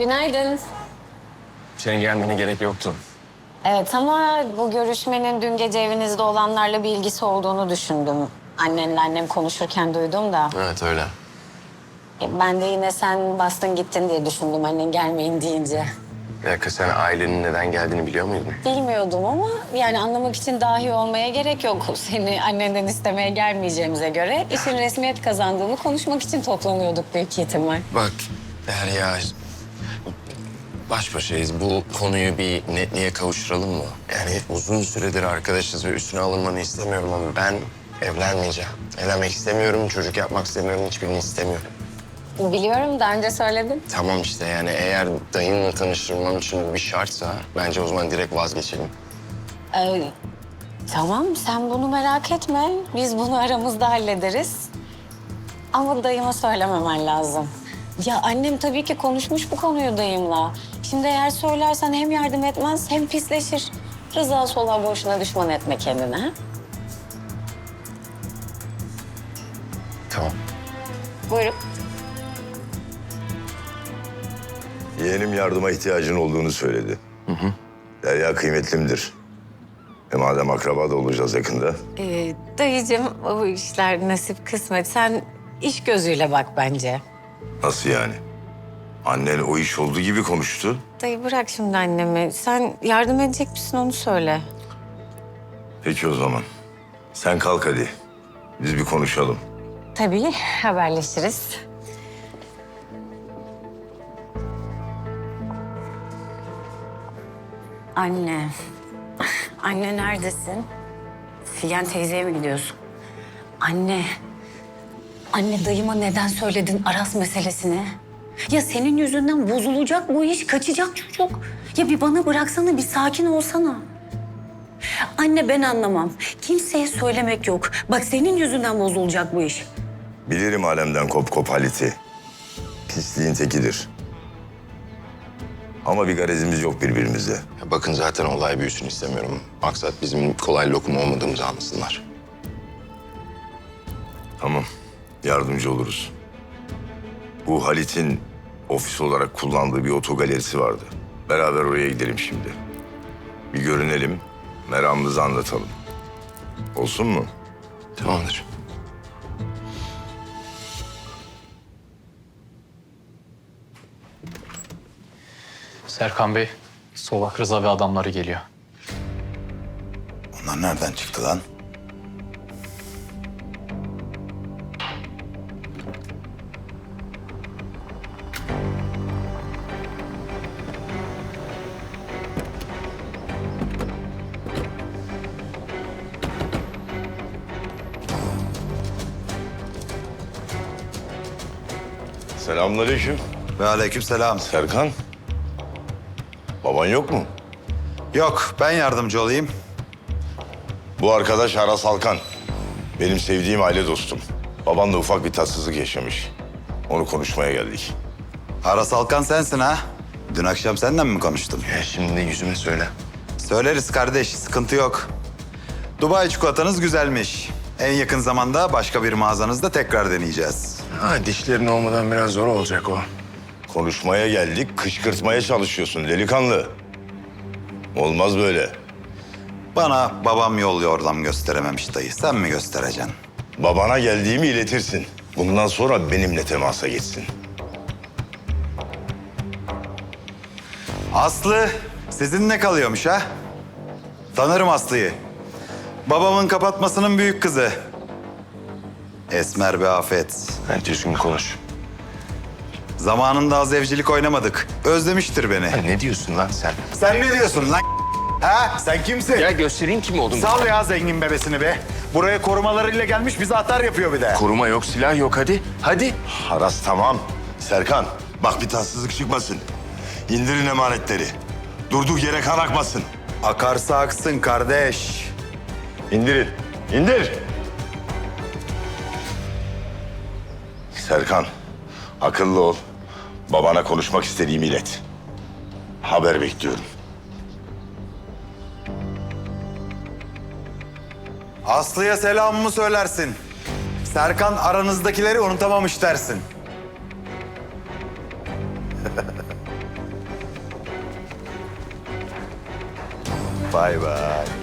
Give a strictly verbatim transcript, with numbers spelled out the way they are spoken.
Günaydın. Senin gelmene gerek yoktu. Evet ama bu görüşmenin dün gece evinizde olanlarla bir ilgisi olduğunu düşündüm. Annenle annem konuşurken duydum da. Evet öyle. E, Ben de yine sen bastın gittin diye düşündüm annen gelmeyin deyince. Bir dakika, sen ailenin neden geldiğini biliyor muydun? Bilmiyordum ama yani anlamak için dahi olmaya gerek yok. Seni annenden istemeye gelmeyeceğimize göre işin resmiyet kazandığını konuşmak için toplanıyorduk büyük ihtimal. Bak Derya, baş başayız. Bu konuyu bir netliğe kavuşturalım mı? Yani uzun süredir arkadaşız ve üstüne alınmanı istemiyorum ama ben evlenmeyeceğim. Evlenmek istemiyorum, çocuk yapmak istemiyorum, hiçbirini istemiyorum. Biliyorum daha önce söyledin. Tamam işte, yani eğer dayınla tanıştırmam için bu bir şartsa bence o zaman direkt vazgeçelim. Ee, tamam sen bunu merak etme. Biz bunu aramızda hallederiz. Ama dayıma söylememen lazım. Ya annem tabii ki konuşmuş bu konuyu dayımla. Şimdi eğer söylersen hem yardım etmez hem pisleşir. Rıza sola boşuna düşman etme kendine. Ha? Tamam. Buyurun. Yeğenim yardıma ihtiyacın olduğunu söyledi. Hı hı. Derya kıymetlimdir. E madem akraba da olacağız yakında. Ee, dayıcığım o işler nasip kısmet. Sen iş gözüyle bak bence. Nasıl yani? Annen o iş olduğu gibi konuştu. Dayı bırak şimdi annemi. Sen yardım edecek misin onu söyle. Peki o zaman. Sen kalk hadi. Biz bir konuşalım. Tabii haberleşiriz. Anne. Anne neredesin? Figen teyzeye mi gidiyorsun? Anne. Anne dayıma neden söyledin Aras meselesini? Ya senin yüzünden bozulacak bu iş, kaçacak çocuk. Ya bir bana bıraksana, bir sakin olsana. Anne ben anlamam. Kimseye söylemek yok. Bak senin yüzünden bozulacak bu iş. Bilirim alemden kop kop Halit'i. Pisliğin tekidir. Ama bir garezimiz yok birbirimize. Ya bakın, zaten olay büyüsün istemiyorum. Maksat bizim kolay lokum olmadığımızı anlasınlar. Tamam. Yardımcı oluruz. Bu Halit'in ofis olarak kullandığı bir otogalerisi vardı. Beraber oraya gidelim şimdi. Bir görünelim, meramımızı anlatalım. Olsun mu? Tamamdır. Serkan Bey, Solak Rıza ve adamları geliyor. Onlar nereden çıktı lan? Selamünaleyküm. Ve aleykümselam. Serkan. Baban yok mu? Yok, ben yardımcı olayım. Bu arkadaş Aras Alkan. Benim sevdiğim aile dostum. Babanla ufak bir tatsızlık yaşamış. Onu konuşmaya geldik. Aras Alkan sensin ha? Dün akşam seninle mi konuştum? Ya şimdi de yüzüme söyle. Söyleriz kardeş, sıkıntı yok. Dubai çikolatanız güzelmiş. En yakın zamanda başka bir mağazanızda tekrar deneyeceğiz. Ha, dişlerin olmadan biraz zor olacak o. Konuşmaya geldik, kışkırtmaya çalışıyorsun delikanlı. Olmaz böyle. Bana babam yol yordam gösterememiş dayı. Sen mi göstereceksin? Babana geldiğimi iletirsin. Bundan sonra benimle temasa geçsin. Aslı sizinle kalıyormuş ha? Tanırım Aslı'yı. Babamın kapatmasının büyük kızı. Esmer bir afet. Ben düzgün konuş. Zamanında az evcilik oynamadık. Özlemiştir beni. Ya ne diyorsun lan sen? Sen ne diyorsun lan? Ha? Sen kimsin? Ya göstereyim kim olduğunu. Sal ya zengin bebesini be. Buraya korumalarıyla gelmiş bize atar yapıyor bir de. Koruma yok, silah yok, hadi. Hadi. Aras tamam. Serkan bak bir tatsızlık çıkmasın. İndirin emanetleri. Durduk yere kan akmasın. Akarsa aksın kardeş. İndirin. İndir. Serkan akıllı ol. Babana konuşmak istediğimi ilet. Haber bekliyorum. Aslı'ya selamımı söylersin. Serkan aranızdakileri unutamamış dersin. Bay bay.